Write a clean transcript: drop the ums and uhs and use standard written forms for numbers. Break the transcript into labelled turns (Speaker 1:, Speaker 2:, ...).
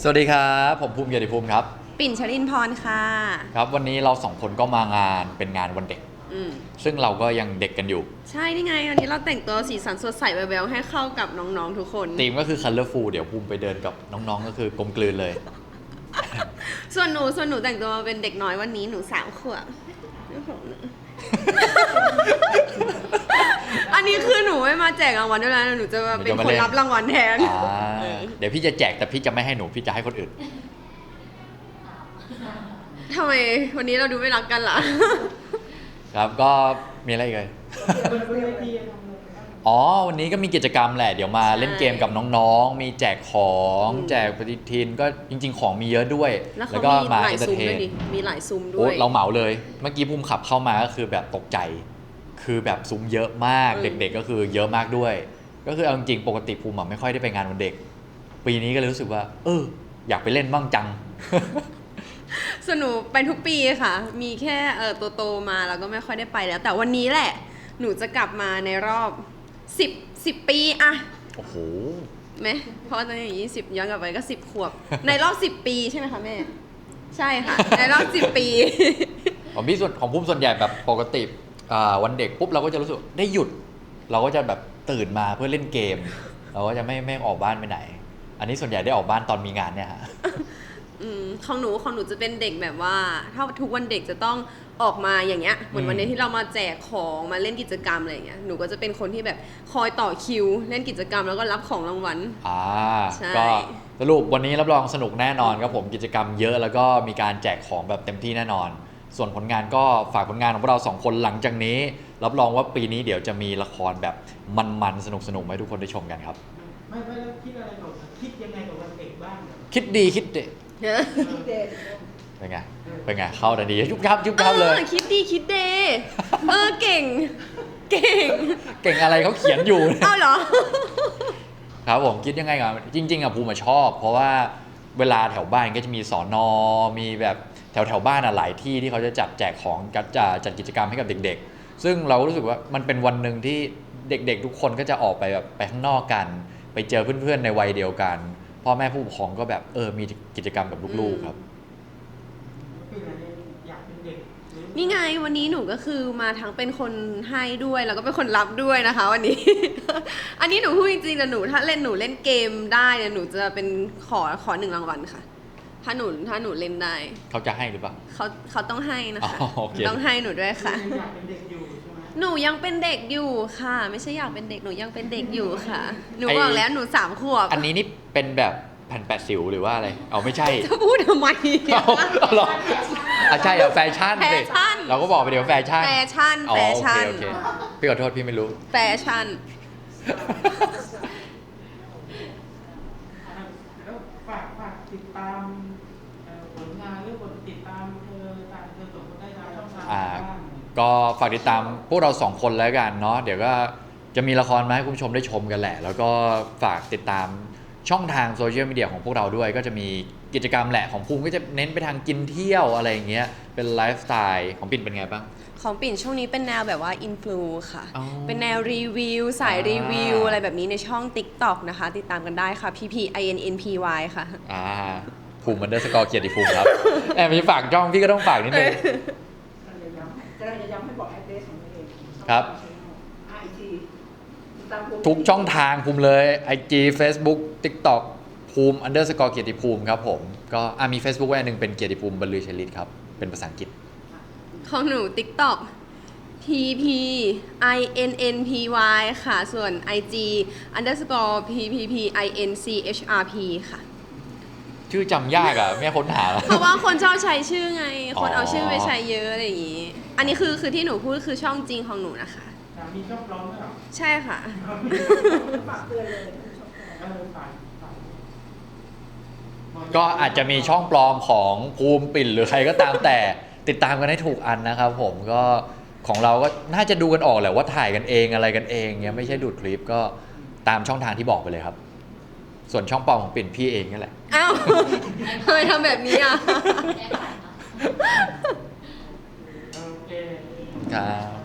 Speaker 1: สวัสดีครับผมภูมิเกียรติภูมิครับ
Speaker 2: ปิ่นชลินพรค่ะ
Speaker 1: ครับวันนี้เราสองคนก็มางานเป็นงานวันเด็กซึ่งเราก็ยังเด็กกันอยู่
Speaker 2: ใช่นี่ไงวันนี้เราแต่งตัวสีสันสดใสแววๆให้เข้ากับน้องๆทุกคน
Speaker 1: ธีมก็คือ colorful เดี๋ยวภูมิไปเดินกับน้องๆก็คือกลมกลืนเลย
Speaker 2: ส่วนหนูแต่งตัวเป็นเด็กน้อยวันนี้หนู3 ขวบอันนี้คือหนูไม่มาแจกรางวัลด้วยนะหนูจะมาเป็นคนรับรางวัลแทน
Speaker 1: เดี๋ยวพี่จะแจกแต่พี่จะไม่ให้หนูพี่จะให้คนอื่น
Speaker 2: ทำไมวันนี้เราดูไม่รักกันล่ะ
Speaker 1: ครับก็มีอะไรอีกเลยอ๋อวันนี้ก็มีกิจกรรมแหละเดี๋ยวมาเล่นเกมกับน้องๆมีแจกของแจกปฏิทินก็จริงๆของมีเยอะด้วย
Speaker 2: แล้วก็มาเอนเตอร์เทนมีหลายซุ้มด้วย
Speaker 1: เราเหมาเลยเมื่อกี้ภูมิขับเข้ามาก็คือแบบตกใจคือแบบซุ้มเยอะมากเด็กๆก็คือเยอะมากด้วยก็คือเอาจริงๆปกติภูมิไม่ค่อยได้ไปงานวันเด็กปีนี้ก็เลยรู้สึกว่าอยากไปเล่นบ้างจัง
Speaker 2: ส่วนหนูไปทุกปีค่ะมีแค่โตมาแล้วก็ไม่ค่อยได้ไปแล้วแต่วันนี้แหละหนูจะกลับมาในรอบ10 ปีอะ
Speaker 1: โอ้โห
Speaker 2: ไหมเพราะตอนนี้20ย้อนกลับไปก็10 ขวบในรอบ10 ปีใช่ไหมคะแม่ใช่ค่ะในรอบ10 ปี
Speaker 1: ของพี่ส่วนของภูมิส่วนใหญ่แบบปกติวันเด็กปุ๊บเราก็จะรู้สึกได้หยุดเราก็จะแบบตื่นมาเพื่อเล่นเกมเราก็จะไม่ออกบ้านไปไหนอันนี้ส่วนใหญ่ได้ออกบ้านตอนมีงานเนี่ยฮะ
Speaker 2: ของหนูจะเป็นเด็กแบบว่าถ้าทุกวันเด็กจะต้องออกมาอย่างเงี้ยเหมือนวันนี้ที่เรามาแจกของมาเล่นกิจกรรมอะไรอย่างเงี้ยหนูก็จะเป็นคนที่แบบคอยต่อคิวเล่นกิจกรรมแล้วก็รับของรางวัล
Speaker 1: ก็สรุปวันนี้รับรองสนุกแน่นอนครับผมกิจกรรมเยอะแล้วก็มีการแจกของแบบเต็มที่แน่นอนส่วนผลงานก็ฝากผลงานของพวกเรา2 คนหลังจากนี้รับรองว่าปีนี้เดี๋ยวจะมีละครแบบมันๆสนุกๆให้ทุกคนได้ชมกันครับ
Speaker 3: ไม่แล้วคิดอะไรก่อนคิดยังไงกับวันเด็กบ้าง
Speaker 1: คิดดีคิดเด็ดเป็นไงเข้าแต่ดียุบยับเลย
Speaker 2: คิดดีคิดเดเก่ง
Speaker 1: อะไรเขาเขียนอยู่
Speaker 2: เอาเหรอ
Speaker 1: ครับผมคิดยังไงกับจริงๆภูมิชอบเพราะว่าเวลาแถวบ้านก็จะมีสน.มีแบบแถวบ้านหลายที่ที่เขาจะจัดแจกของจัดกิจกรรมให้กับเด็กๆซึ่งเรารู้สึกว่ามันเป็นวันหนึ่งที่เด็กๆทุกคนก็จะออกไปแบบไปข้างนอกกันไปเจอเพื่อนๆในวัยเดียวกันพ่อแม่ผู้ปกครองก็แบบมีกิจกรรมกับลูกๆครับ
Speaker 2: นี่ไงวันนี้หนูก็คือมาทั้งเป็นคนให้ด้วยแล้วก็เป็นคนรับด้วยนะคะวันนี้ อันนี้หนูพูดจริงๆนะหนูถ้าหนูเล่นเกมได้เนี่ยหนูจะเป็นขอ1 รางวัลค่ะถ้าหนูเล่นได้
Speaker 1: เขาจะให้หรือเปล่า
Speaker 2: เขาต้องให้นะคะต้องให้หนูด้วยค่ะหนูยังเป็นเด็กอยู่ค่ะไม่ใช่อยากเป็นเด็กหนูยังเป็นเด็กอยู่ค่ะหนูบอกแล้วหนู3 ขวบ
Speaker 1: อันนี้นี่เป็นแบบแผ่นแปะสิวหรือว่าอะไรไม่ใช่
Speaker 2: จะพูดทำไม
Speaker 1: หรอใช่แฟชั่นเราก็บอกไปเดี๋ยวแฟชั่นโอเคพี่ขอโทษพี่ไม่รู้
Speaker 2: แฟชั่น
Speaker 3: แล้วฝากติดตามผลงานหรือกดติดตามตามส่งได้ทางช่องทางบ้าง
Speaker 1: ก็ฝากติดตามพวกเรา2 คนแล้วกันเนาะเดี๋ยวก็จะมีละครมาให้คุณผู้ชมได้ชมกันแหละแล้วก็ฝากติดตามช่องทางโซเชียลมีเดียของพวกเราด้วยก็จะมีกิจกรรมแหละของภูมิก็จะเน้นไปทางกินเที่ยวอะไรอย่างเงี้ยเป็นไลฟ์สไตล์ของปิ่นเป็นไงบ้าง
Speaker 2: ของปิ่นช่วงนี้เป็นแนวแบบว่าอินฟลูค่ะเป็นแนวรีวิวสายรีวิวอะไรแบบนี้ในช่อง TikTok นะคะติดตามกันได้ค่ะ PPINNPY ค่ะ
Speaker 1: ภูมิเ_เกียรติภูมิครับมีฝากช่องพี่ก็ต้องฝากนิดนึง
Speaker 3: จะย้ำให้บอกแอดเดรสของตัวเอง
Speaker 1: ครับทุกช่องทางภูมิเลย IG Facebook TikTok ภูมิ_เกียรติภูมิครับผมก็มี Facebook ไว้อันนึงเป็นเกียรติภูมิบรรลือชลิตครับเป็นภาษาอังกฤษ
Speaker 2: ของหนู TikTok PPINNPY ค่ะส่วน IG _PPPINCHRP ค่ะ
Speaker 1: ชื่อจำยากไม่ค้นหา
Speaker 2: เพราะว่าคนชอบใช้ชื่อไงคนเอาชื่อไปใช้เยอะอะไรอย่างงี้อันนี้คือที่หนูพูดคือช่องจริงของหนูนะคะ
Speaker 3: มีช่องปลอมด้วยหรอ
Speaker 2: ใช่ค่ะ
Speaker 3: ฝากเตือนเลย
Speaker 1: ก็อาจจะมีช่องปลอมของภูมิปิ่นหรือใครก็ตามแต่ติดตามกันให้ถูกอันนะครับผมก็ของเราก็น่าจะดูกันออกแหละว่าถ่ายกันเองอะไรกันเองเงี้ยไม่ใช่ดูดคลิปก็ตามช่องทางที่บอกไปเลยครับส่วนช่องปลอมของปิ่นพี่เองนั่นแหละ
Speaker 2: อ้าวทำไมทำแบบนี้
Speaker 3: โอเค
Speaker 1: ครับ